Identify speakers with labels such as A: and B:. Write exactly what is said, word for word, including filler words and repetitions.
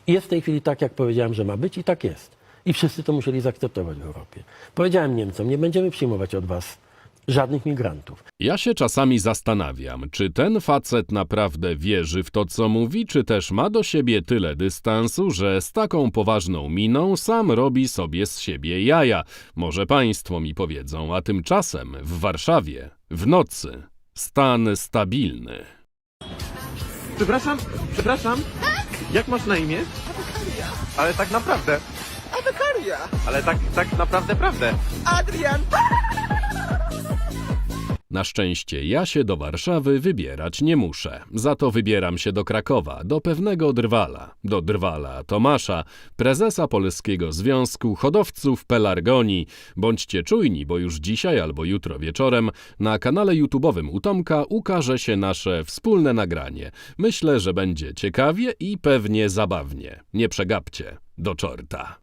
A: Jest w tej chwili tak, jak powiedziałem, że ma być i tak jest. I wszyscy to musieli zaakceptować w Europie. Powiedziałem Niemcom, nie będziemy przyjmować od was żadnych migrantów.
B: Ja się czasami zastanawiam, czy ten facet naprawdę wierzy w to, co mówi, czy też ma do siebie tyle dystansu, że z taką poważną miną sam robi sobie z siebie jaja. Może państwo mi powiedzą, a tymczasem w Warszawie w nocy stan stabilny.
C: Przepraszam, przepraszam. Jak masz na imię? Ale tak naprawdę.
D: Adekaria!
C: Ale tak, tak naprawdę, prawdę.
D: Adrian!
B: Na szczęście ja się do Warszawy wybierać nie muszę. Za to wybieram się do Krakowa, do pewnego drwala. Do drwala Tomasza, prezesa Polskiego Związku Hodowców Pelargonii. Bądźcie czujni, bo już dzisiaj albo jutro wieczorem na kanale YouTube'owym u Tomka ukaże się nasze wspólne nagranie. Myślę, że będzie ciekawie i pewnie zabawnie. Nie przegapcie. Do czorta.